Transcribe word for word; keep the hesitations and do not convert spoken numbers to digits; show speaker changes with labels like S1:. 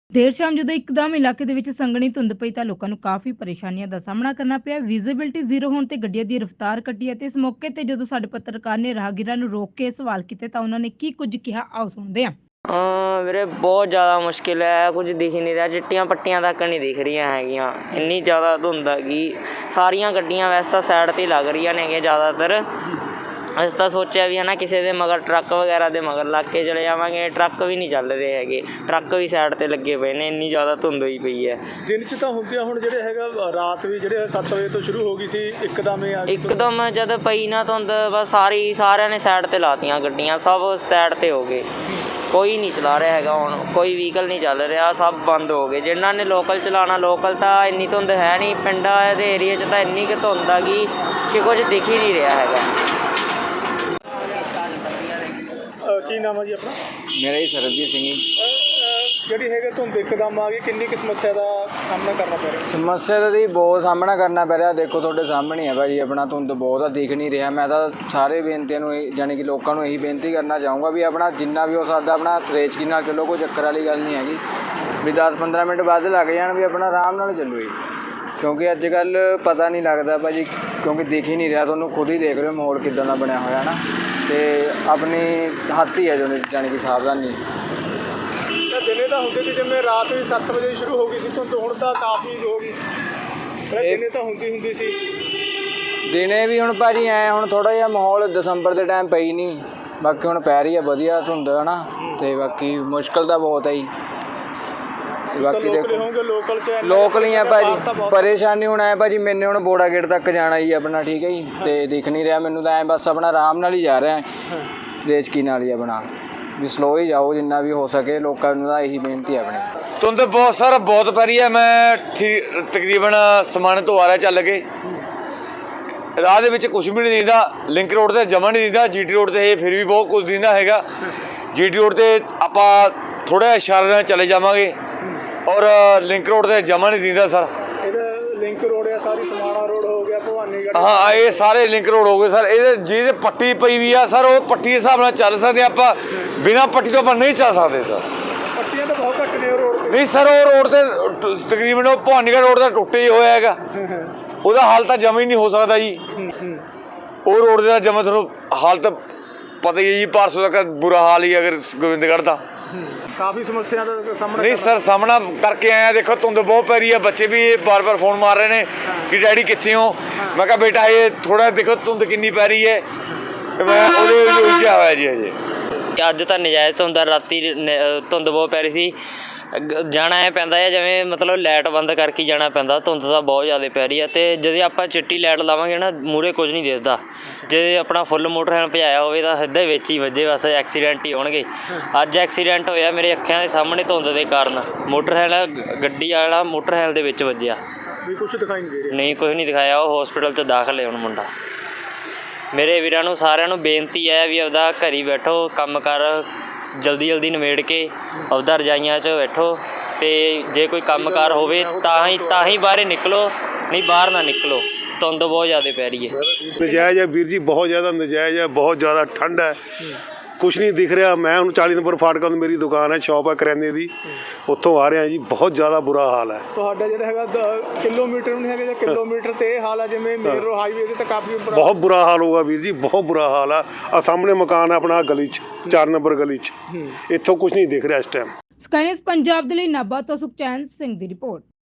S1: ਦੇਰ ਸ਼ਾਮ ਜਦੋਂ ਇੱਕਦਮ ਇਲਾਕੇ ਦੇ ਵਿੱਚ ਸੰਘਣੀ ਧੁੰਦ ਪਈ ਤਾਂ ਲੋਕਾਂ ਨੂੰ ਕਾਫੀ ਪਰੇਸ਼ਾਨੀਆਂ ਦਾ ਸਾਹਮਣਾ ਕਰਨਾ ਪਿਆ। ਵਿਜ਼ਿਬਿਲਟੀ ਜ਼ੀਰੋ ਹੋਣ ਤੇ ਗੱਡੀਆਂ ਦੀ ਰਫ਼ਤਾਰ ਘਟੀ ਅਤੇ ਇਸ ਮੌਕੇ ਤੇ ਜਦੋਂ ਸਾਡੇ ਪੱਤਰਕਾਰ ਨੇ ਰਾਹਗੀਰਾਂ ਨੂੰ ਰੋਕ ਕੇ ਸਵਾਲ ਕੀਤੇ ਤਾਂ ਉਹਨਾਂ ਨੇ ਕੀ ਕੁਝ ਕਿਹਾ, ਆਓ ਸੁਣਦੇ ਹਾਂ।
S2: ਹਾਂ ਵੀਰੇ, ਬਹੁਤ ਜ਼ਿਆਦਾ ਮੁਸ਼ਕਿਲ ਹੈ, ਕੁਝ ਦਿਖ ਹੀ ਨਹੀਂ ਰਿਹਾ, ਚਿੱਟੀਆਂ ਪੱਟੀਆਂ ਤੱਕ ਨਹੀਂ ਦਿਖ ਰਹੀਆਂ ਹੈਗੀਆਂ, ਇੰਨੀ ਜ਼ਿਆਦਾ ਧੁੰਦ ਹੈਗੀ। ਸਾਰੀਆਂ ਗੱਡੀਆਂ ਵੈਸੇ ਤਾਂ ਸਾਈਡ 'ਤੇ ਲੱਗ ਰਹੀਆਂ ਨੇਗੀਆਂ ਜ਼ਿਆਦਾਤਰ। ਅਸੀਂ ਤਾਂ ਸੋਚਿਆ ਵੀ ਹੈ ਨਾ ਕਿਸੇ ਦੇ ਮਗਰ ਟਰੱਕ ਵਗੈਰਾ ਦੇ ਮਗਰ ਲੱਗ ਕੇ ਚਲੇ ਜਾਵਾਂਗੇ, ਟਰੱਕ ਵੀ ਨਹੀਂ ਚੱਲ ਰਹੇ ਹੈਗੇ, ਟਰੱਕ ਵੀ ਸਾਈਡ 'ਤੇ ਲੱਗੇ ਪਏ ਨੇ, ਇੰਨੀ ਜ਼ਿਆਦਾ ਧੁੰਦ ਹੋਈ ਪਈ ਹੈ।
S3: ਦਿਨ 'ਚ ਤਾਂ ਹੁੰਦੀਆਂ, ਹੁਣ ਜਿਹੜੇ ਹੈਗਾ ਰਾਤ ਵੀ ਜਿਹੜੇ ਸੱਤ ਵਜੇ ਤੋਂ ਸ਼ੁਰੂ ਹੋ ਗਈ ਸੀ, ਇੱਕਦਮ ਹੀ ਆ ਗਈ।
S2: ਇੱਕਦਮ ਜਦ ਪਈ ਨਾ ਧੁੰਦ, ਬਸ ਸਾਰੀ ਸਾਰਿਆਂ ਨੇ ਸਾਈਡ 'ਤੇ ਲਾਤੀਆਂ ਗੱਡੀਆਂ, ਸਭ ਸਾਈਡ 'ਤੇ ਹੋ ਗਏ, ਕੋਈ ਨਹੀਂ ਚਲਾ ਰਿਹਾ ਹੈਗਾ। ਹੁਣ ਕੋਈ ਵਹੀਕਲ ਨਹੀਂ ਚੱਲ ਰਿਹਾ, ਸਭ ਬੰਦ ਹੋ ਗਏ। ਜਿਨ੍ਹਾਂ ਨੇ ਲੋਕਲ ਚਲਾਉਣਾ, ਲੋਕਲ ਤਾਂ ਇੰਨੀ ਧੁੰਦ ਹੈ ਨਹੀਂ, ਪਿੰਡਾਂ ਦੇ ਏਰੀਏ 'ਚ ਤਾਂ ਇੰਨੀ ਕੁ ਧੁੰਦ ਆ ਗਈ ਕਿ ਕੁਝ ਦਿਖ ਹੀ ਨਹੀਂ ਰਿਹਾ ਹੈਗਾ।
S3: ਕੀ ਨਾਮ ਹੈ ਜੀ ਆਪਣਾ?
S4: ਮੇਰਾ ਜੀ ਸਰਬਜੀਤ ਸਿੰਘ ਜੀ।
S3: ਜਿਹੜੀ ਹੈਗਾ ਧੁੰਦ ਇੱਕਦਮ ਆ ਗਈ, ਕਿੰਨੀ ਕੁ ਸਮੱਸਿਆ ਦਾ ਸਾਹਮਣਾ ਕਰਨਾ ਪੈ ਰਿਹਾ?
S4: ਸਮੱਸਿਆ ਦਾ ਜੀ ਬਹੁਤ ਸਾਹਮਣਾ ਕਰਨਾ ਪੈ ਰਿਹਾ। ਦੇਖੋ ਤੁਹਾਡੇ ਸਾਹਮਣੇ ਹੈ ਭਾਜੀ, ਆਪਣਾ ਧੁੰਦ ਬਹੁਤ ਆ, ਦਿਖ ਨਹੀਂ ਰਿਹਾ। ਮੈਂ ਤਾਂ ਸਾਰੇ ਬੇਨਤੀਆਂ ਨੂੰ ਜਾਣੀ ਕਿ ਲੋਕਾਂ ਨੂੰ ਇਹੀ ਬੇਨਤੀ ਕਰਨਾ ਚਾਹੂੰਗਾ ਵੀ ਆਪਣਾ ਜਿੰਨਾ ਵੀ ਹੋ ਸਕਦਾ ਆਪਣਾ ਰੇਚਕੀ ਨਾਲ ਚੱਲੋ, ਕੋਈ ਚੱਕਰ ਵਾਲੀ ਗੱਲ ਨਹੀਂ ਹੈਗੀ ਵੀ ਦਸ ਪੰਦਰਾਂ ਮਿੰਟ ਵੱਧ ਲੱਗ ਜਾਣ, ਵੀ ਆਪਣਾ ਆਰਾਮ ਨਾਲ ਚੱਲੋ ਜੀ। ਕਿਉਂਕਿ ਅੱਜ ਕੱਲ੍ਹ ਪਤਾ ਨਹੀਂ ਲੱਗਦਾ ਭਾਜੀ, ਕਿਉਂਕਿ ਦਿਖ ਹੀ ਨਹੀਂ ਰਿਹਾ, ਤੁਹਾਨੂੰ ਖੁਦ ਹੀ ਦੇਖ ਰਹੇ ਹੋ ਮਾਹੌਲ ਕਿੱਦਾਂ ਦਾ ਬਣਿਆ ਹੋਇਆ ਨਾ, ਅਤੇ ਆਪਣੀ ਹੱਥ ਹੀ ਹੈ ਜੋ ਜਾਣੀ ਕਿ ਸਾਵਧਾਨੀ।
S3: ਦਿਨੇ ਤਾਂ ਹੁੰਦੀ ਸੀ, ਜਿਵੇਂ ਰਾਤ ਵੀ ਸੱਤ ਵਜੇ ਸ਼ੁਰੂ ਹੋ ਗਈ ਸੀ ਧੁੰਦ, ਹੁਣ ਤਾਂ ਕਾਫੀ ਹੋ ਗਈ। ਦਿਨੇ ਤਾਂ ਹੁੰਦੀ ਹੁੰਦੀ ਸੀ,
S4: ਦਿਨੇ ਵੀ ਹੁਣ ਭਾਜੀ ਐਂ ਹੁਣ ਥੋੜ੍ਹਾ ਜਿਹਾ ਮਾਹੌਲ ਦਸੰਬਰ ਦੇ ਟਾਈਮ ਪਈ ਨਹੀਂ, ਬਾਕੀ ਹੁਣ ਪੈ ਰਹੀ ਹੈ ਵਧੀਆ ਧੁੰਦ ਹੈ ਨਾ, ਅਤੇ ਬਾਕੀ ਮੁਸ਼ਕਿਲ ਤਾਂ ਬਹੁਤ ਹੈ ਜੀ। ਬਾਕੀ ਦੇਖੋ
S3: ਲੋਕਲ ਚ
S4: ਲੋਕਲ ਹੀ ਆ ਭਾਜੀ, ਪਰੇਸ਼ਾਨੀ ਹੁਣ ਐ ਭਾਜੀ, ਮੈਨੇ ਹੁਣ ਬੋੜਾ ਗੇਟ ਤੱਕ ਜਾਣਾ ਜੀ ਆਪਣਾ, ਠੀਕ ਹੈ ਜੀ, ਅਤੇ ਦਿਖ ਨਹੀਂ ਰਿਹਾ ਮੈਨੂੰ ਤਾਂ ਐਂ, ਬਸ ਆਪਣਾ ਆਰਾਮ ਨਾਲ ਹੀ ਜਾ ਰਿਹਾ, ਰੇਚਕੀ ਨਾਲ ਹੀ ਆਪਣਾ, ਵੀ ਸਲੋ ਹੀ ਜਾਓ ਜਿੰਨਾ ਵੀ ਹੋ ਸਕੇ। ਲੋਕਾਂ ਨੂੰ ਤਾਂ ਇਹੀ ਬੇਨਤੀ ਹੈ ਆਪਣੀ।
S5: ਧੁੰਦ ਬਹੁਤ ਸਾਰਾ ਬਹੁਤ ਪੈ ਰਹੀ ਹੈ। ਮੈਂ ਠੀ ਤਕਰੀਬਨ ਸਮਾਨ ਤੋਂ ਆ ਰਿਹਾ ਚੱਲ ਕੇ, ਰਾਹ ਦੇ ਵਿੱਚ ਕੁਛ ਵੀ ਨਹੀਂ ਦਿਖਦਾ, ਲਿੰਕ ਰੋਡ 'ਤੇ ਜਮਾ ਨਹੀਂ ਦਿਖਦਾ, ਜੀ ਟੀ ਰੋਡ 'ਤੇ ਫਿਰ ਵੀ ਬਹੁਤ ਕੁਝ ਦਿਖਦਾ ਹੈਗਾ। ਜੀ ਟੀ ਰੋਡ 'ਤੇ ਆਪਾਂ ਥੋੜ੍ਹਾ ਜਿਹਾ ਇਸ਼ਾਰੇ ਨਾਲ ਚਲੇ ਜਾਵਾਂਗੇ, ਔਰ ਲਿੰਕ ਰੋਡ 'ਤੇ ਜਮਾ ਨਹੀਂ ਦਿਖਦਾ ਸਰ।
S3: ਲਿੰਕ ਰੋਡ ਆ, ਸਾਰੀ ਸਮਾਣਾ ਰੋਡ ਹੋ ਗਿਆ, ਭਵਾਨੀਗੜ੍ਹ,
S5: ਹਾਂ ਇਹ ਸਾਰੇ ਲਿੰਕ ਰੋਡ ਹੋ ਗਏ ਸਰ। ਇਹਦੇ ਜਿਹਦੇ ਪੱਟੀ ਪਈ ਵੀ ਆ ਸਰ, ਉਹ ਪੱਟੀ ਦੇ ਹਿਸਾਬ ਨਾਲ ਚੱਲ ਸਕਦੇ ਆਪਾਂ, ਬਿਨਾਂ ਪੱਟੀ ਤੋਂ ਆਪਾਂ ਨਹੀਂ ਚੱਲ ਸਕਦੇ ਸਰ।
S3: ਪੱਟੀਆਂ ਤਾਂ ਬਹੁਤ ਘੱਟ ਨੇ ਉਹ ਰੋਡ 'ਤੇ।
S5: ਨਹੀਂ ਸਰ, ਉਹ ਰੋਡ 'ਤੇ ਤਕਰੀਬਨ ਉਹ ਭਵਾਨੀਗੜ੍ਹ ਰੋਡ ਦਾ ਟੁੱਟੇ ਹੀ ਹੋਇਆ ਹੈਗਾ, ਉਹਦਾ ਹਾਲ ਤਾਂ ਜਮਾ ਹੀ ਨਹੀਂ ਹੋ ਸਕਦਾ ਜੀ। ਉਹ ਰੋਡ ਦਾ ਜਮਾ ਤੁਹਾਨੂੰ ਹਾਲਤ ਪਤਾ ਹੀ ਹੈ ਜੀ, ਪਰਸੋਂ ਤੱਕ ਬੁਰਾ ਹਾਲ ਹੀ ਅਗਰ ਗੋਬਿੰਦਗੜ੍ਹ ਦਾ।
S3: ਕਾਫੀ ਸਮੱਸਿਆ ਦਾ ਸਾਹਮਣਾ
S5: ਨਹੀਂ ਸਰ, ਸਾਹਮਣਾ ਕਰਕੇ ਆਏ ਆ। ਦੇਖੋ ਧੁੰਦ ਬਹੁਤ ਪੈ ਰਹੀ ਹੈ, ਬੱਚੇ ਵੀ ਬਾਰ ਬਾਰ ਫੋਨ ਮਾਰ ਰਹੇ ਨੇ ਕਿ ਡੈਡੀ ਕਿੱਥੇ ਹੋ। ਮੈਂ ਕਿਹਾ ਬੇਟਾ ਇਹ ਥੋੜ੍ਹਾ ਦੇਖੋ ਧੁੰਦ ਕਿੰਨੀ ਪੈ ਰਹੀ ਹੈ, ਮੈਂ ਉਹਦੇ ਵਿੱਚ ਉਲਝਿਆ ਹੋਇਆ ਜੀ ਅਜੇ।
S2: ਅੱਜ ਤਾਂ ਨਜਾਇਜ਼ ਧੁੰਦ, ਰਾਤੀ ਧੁੰਦ ਬਹੁਤ ਪੈ ਰਹੀ ਸੀ, ਜਾਣਾ ਐ ਪੈਂਦਾ ਹੈ ਜਿਵੇਂ ਮਤਲਬ ਲਾਈਟ ਬੰਦ ਕਰਕੇ ਜਾਣਾ ਪੈਂਦਾ, ਧੁੰਦ ਤਾਂ ਬਹੁਤ ਜ਼ਿਆਦਾ ਪੈ ਰਹੀ ਹੈ। ਅਤੇ ਜਦੋਂ ਆਪਾਂ ਚਿੱਟੀ ਲਾਈਟ ਲਾਵਾਂਗੇ ਨਾ, ਮੂਹਰੇ ਕੁਝ ਨਹੀਂ ਦਿਸਦਾ। ਜੇ ਆਪਣਾ ਫੁੱਲ ਮੋਟਰਸਾਈਕਲ ਭਜਾਇਆ ਹੋਵੇ ਤਾਂ ਸਿੱਧੇ ਵਿੱਚ ਹੀ ਵੱਜੇ, ਬਸ ਐਕਸੀਡੈਂਟ ਹੀ ਹੋਣਗੇ। ਅੱਜ ਐਕਸੀਡੈਂਟ ਹੋਇਆ ਮੇਰੇ ਅੱਖਾਂ ਦੇ ਸਾਹਮਣੇ ਧੁੰਦ ਦੇ ਕਾਰਨ, ਮੋਟਰਸਾਈਕਲ ਗੱਡੀ ਵਾਲਾ ਮੋਟਰਸਾਈਕਲ ਦੇ ਵਿੱਚ ਵੱਜਿਆ।
S3: ਵੀ ਕੁਛ ਦਿਖਾਈ ਨਹੀਂ ਦੇ ਰਿਹਾ? ਨਹੀਂ,
S2: ਕੁਝ ਨਹੀਂ ਦਿਖਾਇਆ। ਉਹ ਹੋਸਪਿਟਲ 'ਚ ਦਾਖਲ ਹੈ ਹੁਣ ਮੁੰਡਾ। ਮੇਰੇ ਵੀਰਾਂ ਨੂੰ ਸਾਰਿਆਂ ਨੂੰ ਬੇਨਤੀ ਹੈ ਵੀ ਆਪਦਾ ਘਰ ਹੀ ਬੈਠੋ, ਕੰਮ ਕਰ ਜਲਦੀ ਜਲਦੀ ਨਿਬੇੜ ਕੇ ਆਪਦਾ ਰਜਾਈਆਂ 'ਚ ਬੈਠੋ, ਅਤੇ ਜੇ ਕੋਈ ਕੰਮ ਕਾਰ ਹੋਵੇ ਤਾਂ ਹੀ ਤਾਂ ਹੀ ਬਾਹਰ ਨਿਕਲੋ, ਨਹੀਂ ਬਾਹਰ ਨਾ ਨਿਕਲੋ, ਧੁੰਦ ਬਹੁਤ ਜ਼ਿਆਦਾ ਪੈ ਰਹੀ ਹੈ।
S6: ਨਜਾਇਜ਼ ਹੈ ਵੀਰ ਜੀ, ਬਹੁਤ ਜ਼ਿਆਦਾ ਨਜਾਇਜ਼ ਹੈ, ਬਹੁਤ ਜ਼ਿਆਦਾ ਠੰਡ ਹੈ, ਕੁਛ ਨਹੀਂ ਦਿਖ ਰਿਹਾ। ਮੈਂ ਹੁਣ ਚਾਲੀ ਨੰਬਰ ਫਾਟਕਾਂ ਤੋਂ ਮੇਰੀ ਦੁਕਾਨ ਹੈ, ਸ਼ੌਪ ਹੈ ਕਰਿਆਨੇ ਦੀ, ਉੱਥੋਂ ਆ ਰਿਹਾ ਜੀ, ਬਹੁਤ ਜ਼ਿਆਦਾ ਬੁਰਾ ਹਾਲ ਹੈ।
S3: ਤੁਹਾਡਾ ਜਿਹੜਾ ਹੈਗਾ ਕਿਲੋਮੀਟਰ ਨਹੀਂ ਹੈਗਾ ਜਾਂ ਕਿਲੋਮੀਟਰ ਤੇ ਇਹ ਹਾਲ ਹੈ ਜਿਵੇਂ ਮੇਨ ਰੋਡ ਹਾਈਵੇ ਤੇ, ਤਾਂ ਕਾਫੀ
S6: ਬਹੁਤ ਬੁਰਾ ਹਾਲ ਹੋਊਗਾ ਵੀਰ ਜੀ, ਬਹੁਤ ਬੁਰਾ ਹਾਲ ਆ। ਆ ਸਾਹਮਣੇ ਮਕਾਨ ਹੈ ਆਪਣਾ ਗਲੀ 'ਚ, ਚਾਰ ਨੰਬਰ ਗਲੀ 'ਚ, ਇੱਥੋਂ ਕੁਛ ਨਹੀਂ ਦਿਖ ਰਿਹਾ ਇਸ ਟਾਈਮ।
S1: ਸਕਾਈ ਨਿਊਜ਼ ਪੰਜਾਬ ਦੇ ਲਈ ਨਾਭਾ ਤੋਂ ਸੁਖਚੈਨ ਸਿੰਘ ਦੀ ਰਿਪੋਰਟ।